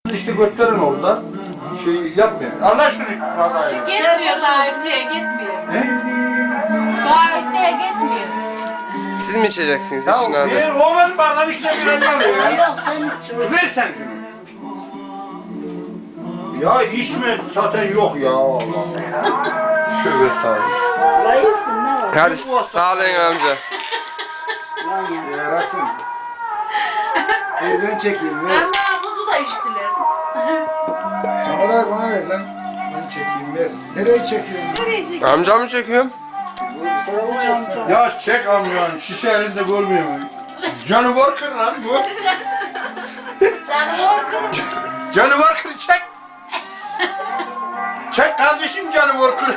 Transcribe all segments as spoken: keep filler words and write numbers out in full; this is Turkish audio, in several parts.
İşte götlerin orada şey yapmıyor. Allah şunu. Gitmiyor daha öteye gitmiyor. Ne? Daha öteye gitmiyor. Siz mi içeceksiniz? Ya İçin hadi. bir oğlan bağlan ikide bir önüne alıyor ya. Yok sen hiç Ver sen şunu. Ya içme zaten yok ya Allah. Tövbe estağfurullah. layısın ne var? Hadi sağ olun amca. Lan ya. Yarasın. Ver ben çekeyim ver. Ama buzu da içtiler. Kamerayı bana ver lan. Ben çekeyim ver. Nereye çekiyorsun? Nereye çekiyor? Amca mı çekiyorum? Bu tarafa çek. Ya çek amcan şişe elinde görmüyor mu? Canavar kır lan bu. Canavar kırmış. Canavar kır çek. Çek kardeşim canavar kır.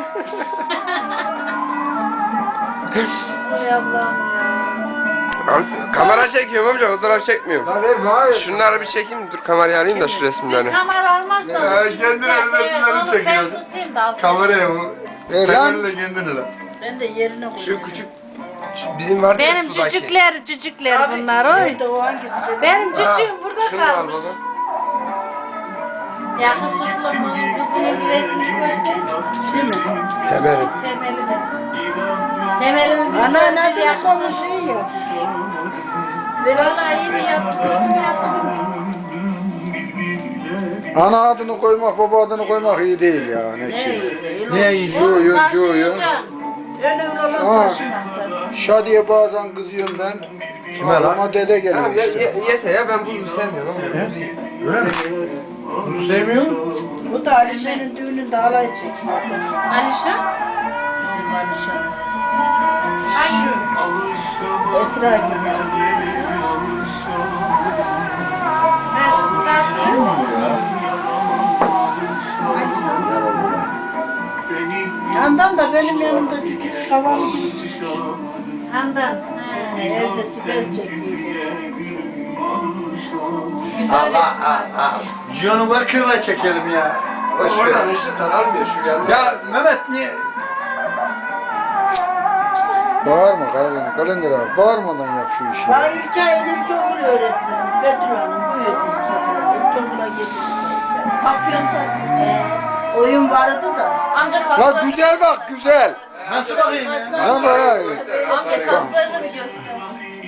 Hay Allah'ım ya. Am- Kamera çekiyorum amca, fotoğraf çekmiyorum. Lan ver bana ver. Şunları bir çekeyim, dur kamerayı alayım da şu Bir resimleri. kamera almazsan. Ya, şimdi kendine sen resimlerini şey- onu çekiyor. Ben tutayım da alsın. Kameraya bu. Ver Sen lan. elle kendini lan. Ben de yerine koyayım. Şu küçük, şu bizim vardı ya Benim sudaki. cücükler, cücükler bunlar oy. Nerede o hangisi? de- Benim cücüğüm burada Şunu al kalmış. baba. Yakışıklı mı? Kızının resmini gösterin. Temelim. Temelimi. Temelimi bir Ana göster nerede yakışıklı. konuşuyor? Vallahi iyi mi yaptı, kötü mü yaptı? Ana adını koymak, baba adını koymak iyi değil ya. Ne Ne ki? iyi değil. Ne iyi? Diyor, diyor, diyor ya. Taşıyacaksın. Önemli olan Aa. taşımak tabii. Şadiye bazen kızıyorum ben. Kime lan? Ama dede geliyor Tamam, ye- işte. ye- yeter ya, ben buzu sevmiyorum ama buzu iyi. Öyle mi? Bunu sevmiyor musun? Bu da Alişan'ın düğününde halay çekiyor. Alişan? Bizim Alişan. Hangisi? Esra gibi. Ha şu satı. Alişan. Yandan da benim yanımda küçük havalı gibi çıkıyor. Handan. Ha, Ha. Evde siber çektiydi. Güzel resim. Allah. Canavar kırla çekelim ya. Boş Oradan ver. ışıktan almıyor şu yandan. Ya Mehmet niye? Bağırma Karadeniz, kalender abi. Bağırmadan yap şu işi. Bana İlkay'ın ilkokul öğretmeni. Betül Hanım büyüdü ilkokula. İlkokula getirdi. Papyon tabii. Ee, oyun vardı da. Amca Lan kaslarını, güzel bak, güzel. Nasıl bakayım ya? Lan bayağı. amca kaslarını bir göster.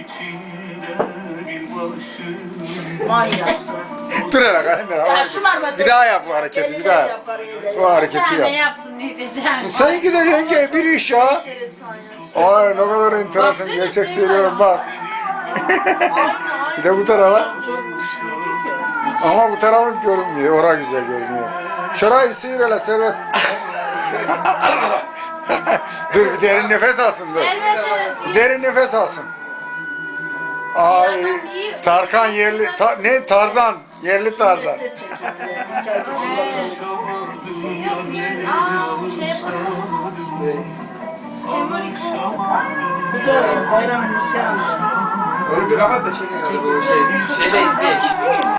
Manyak. Dur hele kalender abi. Ya şımarma. Bir daha yap bu hareketi, bir daha. Yapar öyle. Bu Bir hareketi tane yap. yapsın ne diyeceğim. Seninki de yenge bir iş ya. Ay ne kadar enteresan, Baksana, gerçek şey söylüyorum var. bak. Bir de bu tarafa. Ama bu tarafın görünmüyor, ora güzel görünüyor. Şurayı sıyır hele Servet. Dur bir derin nefes alsın dur. Servet Derin nefes alsın. Ay Tarkan yerli, ta- ne Tarzan, yerli Tarzan. şey yapmış. Aa şey yapalım. Memori kartı. Bu da bayramın nikahında. Onu bir kapat da çekin. Bu şey, şeyde izleyelim.